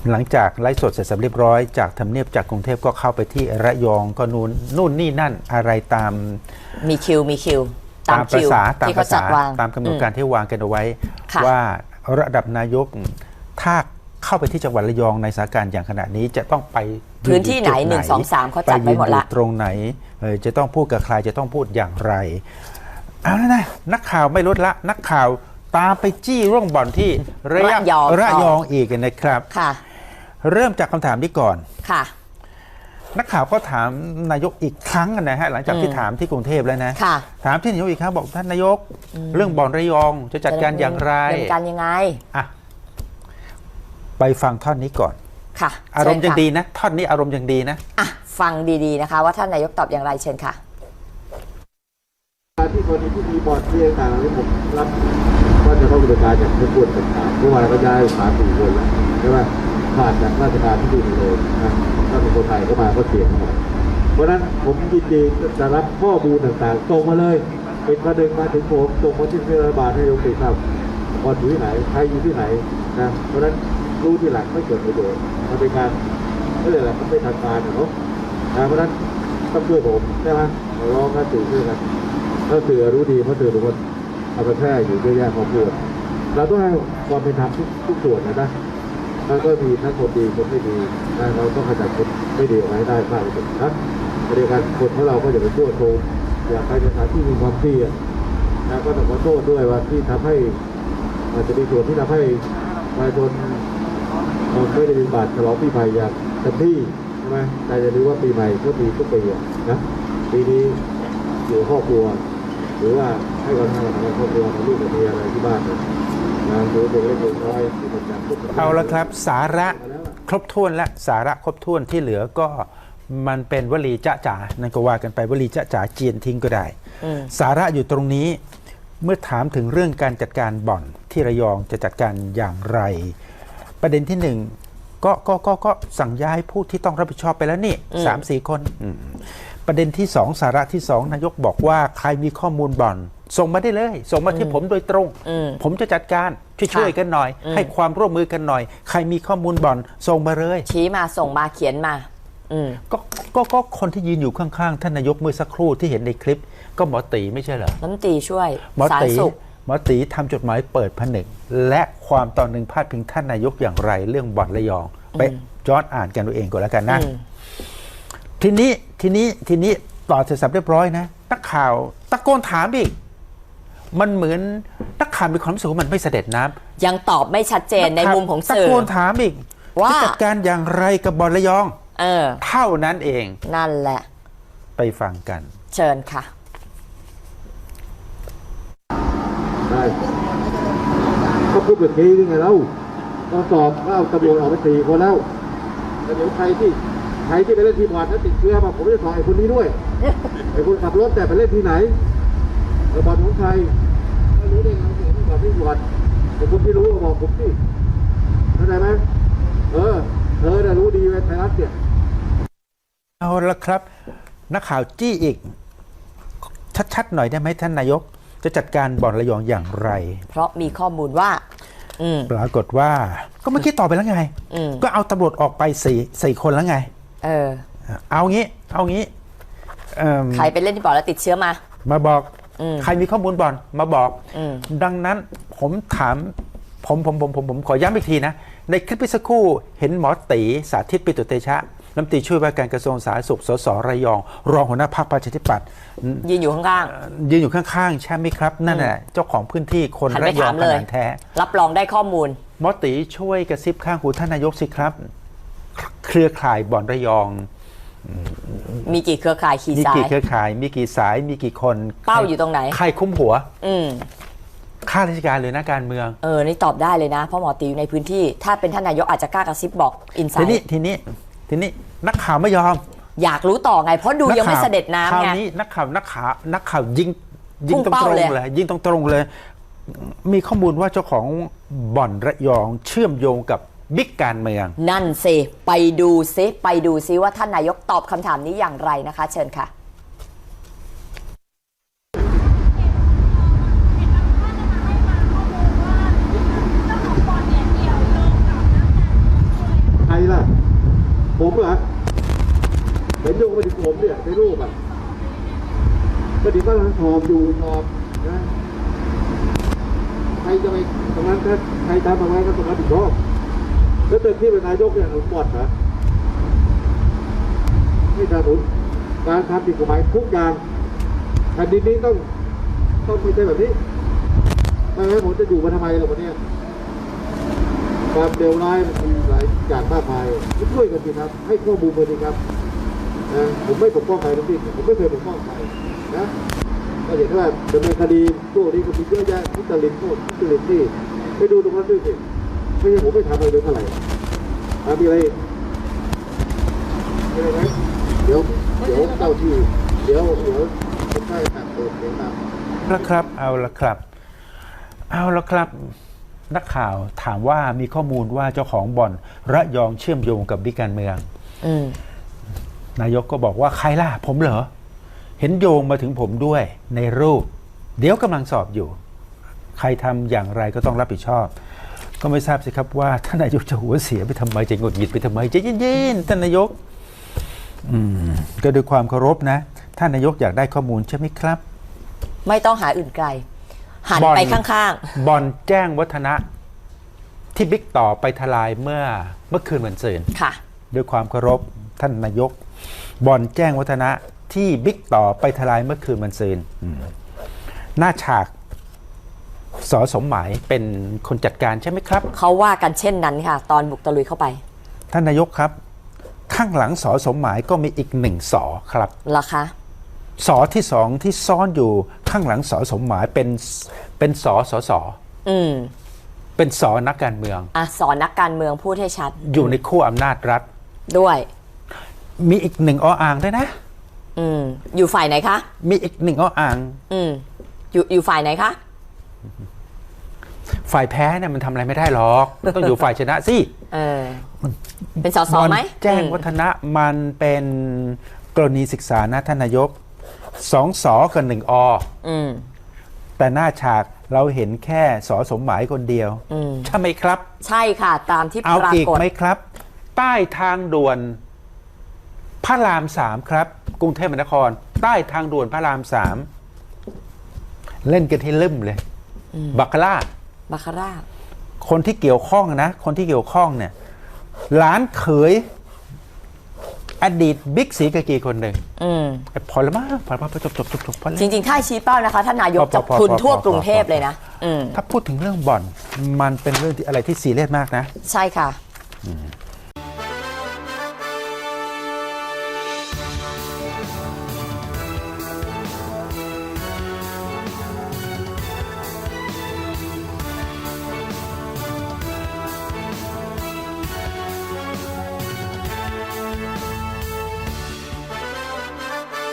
หลังจากไลฟ์สดเสร็จสับเรียบร้อยจากทำเนียบจากกรุงเทพก็เข้าไปที่ระยองก็นู่นนี่นั่นอะไรตามมีคิวตามภาษาที่เขาจัดวางตามกำหนดการที่วางกันเอาไว้ว่าระดับนายกถ้าเข้าไปที่จังหวัดระยองในสถานการณ์อย่างขณะนี้จะต้องไปพื้นที่ไหน1 2 3เขาจัดไว้หมดละตรงไหนจะต้องพูดกับใครจะต้องพูดอย่างไรเอาแล้วนะนักข่าวไม่ลดละนักข่าวตามไปจี้ร่วงบ่อนที่ระยองอีกนะครับค่ะเริ่มจากคำถามนี้ก่อนค่ะนักข่าวก็ถามนายกอีกครั้งนะฮะหลังจากที่ถามที่กรุงเทพแล้วนะถามที่นายกอีกครั้งบอกท่านนายกเรื่องบ่อนระยองจะจัดการอย่างไรจัดการยังไงอ่ะไปฟังท่อนนี้ก่อนค่ะอารมณ์ยังดีนะท่อนนี้อารมณ์ยังดีนะอ่ะฟังดีๆนะคะว่าท่านนายกตอบอย่างไรเชิญค่ะที่คนที่มีบอร์ดที่ต่างๆที่ผมรับว่าจะต้องดำเนินการจากทุกคนต่างๆเมื่อวานก็ย้าย3-4 คนแล้วใช่ไหมผ่านจากราชการที่ดีเลยนะถ้าเป็นคนไทยเข้ามาก็เสียงหมดเพราะนั้นผมยินดีจะรับข้อมูลต่างๆส่งมาเลยเป็นประเด็นมาถึงผมส่งมาที่รัฐบาลให้ยกติดครับบอร์ดอยู่ที่ไหนใครอยู่ที่ไหนนะเพราะนั้นรู้ที่หลังไม่เกิดประโยชน์มันเป็นการไม่เลยแหละมันไม่ทันการนะเพราะนั้นต้องช่วยผมใช่ไหมร้องกันตื่นขึ้นกันถ้าสื่อรู้ดีเพราะสื่อทุกคนเอาไปแพร่อยู่เยอะแยะพอพูดเราต้องให้ความเป็นธรรมทุกส่วนนะแล้วก็มีทั้งคนดีคนไม่ดีเราต้องขจัดคนไม่ดีออกมาให้ได้มากที่สุดนะในการคนของเราก็อย่าไปชั่วโกงอย่าไปในทางที่มีความเสี่ยงนะก็ต้องขอโทษด้วยว่าที่ทำให้อาจจะมีส่วนที่ทำให้ประชาชนไม่ได้มีบัตรฉลองปีใหม่อย่างเต็มที่ใช่ไหมแต่อย่าลืมว่าปีใหม่ก็มีทุกปีนะปีนี้อยู่ครอบครัวหรือว่าให้ความสำคัญกับครอบครัวของลูกกับเมียอะไรที่บ้านนะหรือเด็กเล็กเด็กน้อยที่ผมจะเอาละครับสาระครบถ้วนและสาระครบถ้วนที่เหลือก็มันเป็นวลีจ๊ะจ๋านั่นก็ว่ากันไปวลีจ๊ะจ๋าเจียนทิ้งก็ได้สาระอยู่ตรงนี้เมื่อถามถึงเรื่องการจัดการบ่อนที่ระยองจะจัดการอย่างไรประเด็นที่หนึ่งก็สั่งย้ายผู้ที่ต้องรับผิดชอบไปแล้วนี่3-4 คนประเด็นที่2สาระที่2นายกบอกว่าใครมีข้อมูลบ่อนส่งมาได้เลยส่งมาที่ผมโดยตรงผมจะจัดการช่วยกันหน่อยให้ความร่วมมือกันหน่อยใครมีข้อมูลบ่อนส่งมาเลยชี้มาส่งมาเขียนมาก็คนที่ยืนอยู่ข้างๆท่านนายกเมื่อสักครู่ที่เห็นในคลิปก็หมอตีไม่ใช่เหรอน้ำตีช่วยหมอตีทำจดหมายเปิดผนึกและความตอนหนึ่งพาดพิงท่านนายกอย่างไรเรื่องบ่อนระยองไปย้อนอ่านกันตัวเองก่อนแล้วกันนะทีนี้ต่อเสร็จสับเรียบร้อยนะนักข่าวตะโกนถามอีกมันเหมือนนักข่าวมีความรู้สึกว่ามันไม่เสด็จน้ำยังตอบไม่ชัดเจนในมุมของสื่อตะโกนถามอีกว่าจัดการอย่างไรกับบ่อนระยองเท่านั้นเองนั่นแหละไปฟังกันเชิญค่ะได้ก็พูดแบบนี้ยังไงเราตอนสอบก็เอาตำรวจออกไป4 คนแล้วแต่เดี๋ยวใครที่ไปเล่นทีมบอลแล้วติดเชื้อมาผมจะสอบไอ้คนนี้ด้วยไอ้คนขับรถแต่ไปเล่นที่ไหนบอลของใครไม่รู้ได้ไงเห็นบอลที่บอลแต่คนที่รู้ก็บอกผมสิเข้าใจไหมเธอเนี่ยรู้ดีเว้ยไทยรัฐเนี่ยเอาละครับนักข่าวจี้อีกชัดๆหน่อยได้ไหมท่านนายกจะจัดการบ่อนระยองอย่างไรเพราะมีข้อมูลว่าปรากฏว่าก็เมื่อกี้ตอบไปแล้วไงก็เอาตำรวจออกไป4 คนแล้วไงเอางี้ใครไปเล่นที่บ่อนแล้วติดเชื้อมาบอกใครมีข้อมูลบ่อนมาบอกดังนั้นผมถามผมขอย้ำอีกทีนะในคลิปสักครู่เห็นหมอตีสาธิตปิตุเตชะรัฐมนตรีช่วยว่าการกระทรวงสาธารณสุขสสระยองรองหัวหน้าพรรคประชาธิปัตย์ยืนอยู่ข้างๆใช่ไหมครับนั่นแหละเจ้าของพื้นที่คนระยองขนาดแท้รับรองได้ข้อมูลหมอตีช่วยกระซิบข้างหูท่านนายกสิครับเครือข่ายบ่อนระยองมีกี่เครือข่ายมีกี่เครือข่ายมีกี่สายมีกี่คนเป้าอยู่ตรงไหนใครคุ้มหัวข้าราชการหรือนักการเมืองนี่ตอบได้เลยนะเพราะหมอตีอยู่ในพื้นที่ถ้าเป็นท่านนายกอาจจะกล้ากระซิบบอกอินไซด์ทีนี้นักข่าวไม่ยอมอยากรู้ต่อไงเพราะดูยังไม่เสด็จน้ำไงคราวนี้นักข่าวยิงตรงเลยยิงตรงเลยมีข้อมูลว่าเจ้าของบ่อนระยองเชื่อมโยงกับบิ๊กการเมืองนั่นสิไปดูซิว่าท่านนายกตอบคำถามนี้อย่างไรนะคะเชิญค่ะเหรอเห็นโยงไปถึงผมเนี่ยในรูปอ่ะก็ดีก็ทั้งหอมอยู่หอมนะใครจะไปตรงนั้นถ้าใครทำอะไรก็ตรงนั้นผิดชอบแล้วเต็มที่เป็นนายกเนี่ยหนุนบอดเหรอนี่สนับสนุนการทำผิดกฎหมายทุกอย่างแผ่นดินนี้ต้องไม่ใช่แบบนี้ไม่งั้นผมจะอยู่มาทำไมล่ะวันนี้ความเลวร้ายมันมีหลายอย่างมากมายช่วยกันดีครับให้ข้อมูลกันดีครับนะผมไม่ปกป้องใครทั้งสิ้นผมไม่เคยปกป้องใครนะก็เห็นว่าดำเนินคดีพวกนี้ก็มีเยอะแยะทุจริตพวกทุจริตที่ไปดูตรงนั้นด้วยสิไม่ใช่ผมไม่ทำอะไรเลยเท่าไหร่มีอะไรมีอะไรไหมเดี๋ยวเจ้าที่เดี๋ยวผมให้ตัดเปิดเสียงตามละครับเอาละครับนักข่าวถามว่ามีข้อมูลว่าเจ้าของบ่อนระยองเชื่อมโยงกับบิ๊กการเมืองนายกก็บอกว่าใครล่ะผมเหรอเห็นโยงมาถึงผมด้วยในรูปเดี๋ยวกำลังสอบอยู่ใครทำอย่างไรก็ต้องรับผิดชอบก็ไม่ทราบสิครับว่าท่านนายกจะหัวเสียไปทำไมจะหงุดหงิดไปทำไมใจเย็นๆท่านนายกก็ด้วยความเคารพนะท่านนายกอยากได้ข้อมูลใช่ไหมครับไม่ต้องหาอื่นไกลหันไปข้างๆบ่อนแจ้งวัฒนะที่บิ๊กต่อไปทลายเมื่อคืนวันศุกร์ค่ะด้วยความเคารพท่านนายกบ่อนแจ้งวัฒนะที่บิ๊กต่อไปทลายเมื่อคืนวันศุกร์หน้าฉากส.สมหมายเป็นคนจัดการใช่ไหมครับเขาว่ากันเช่นนั้นค่ะตอนบุกตะลุยเข้าไปท่านนายกครับข้างหลังส.สมหมายก็มีอีกหนึ่งส.ครับเหรอคะส.ที่สองที่ซ่อนอยู่ข้างหลังส.สมหมายเป็นส.ส.เป็นส.นักการเมืองส.นักการเมืองพูดให้ชัดอยู่ในขั้วอำนาจรัฐด้วยมีอีกหนึ่งอ่างด้วยนะอยู่ฝ่ายไหนคะมีอีกหนึ่งอ่างอยู่ฝ่ายไหนคะฝ่ายแพ้เนี่ยมันทำอะไรไม่ได้หรอกต้องอยู่ฝ่ายชนะสิเป็นส.ส.ไหมแจ้งวัฒนะมันเป็นกรณีศึกษานะท่านนายก2 ส.กับ1 อ.แต่หน้าฉากเราเห็นแค่ส.สมหมายคนเดียวใช่ไหมครับใช่ค่ะตามที่ปรากฏเอาอีกไหมครับใต้ทางด่วนพระราม3ครับกรุงเทพมหานครใต้ทางด่วนพระราม3เล่นกันให้ลืมเลยบัคคาร่าคนที่เกี่ยวข้องนะคนที่เกี่ยวข้องเนี่ยหลานเขยอดีตบิ๊กศรีกากีคนหนึ่งพอแล้วมั้งพอจบจริงๆถ้าชี้เป้านะคะท่านนายกจะพรุนทั่วกรุงเทพเลยนะถ้าพูดถึงเรื่องบ่อนมันเป็นเรื่องที่อะไรที่ซีเรียสมากนะใช่ค่ะ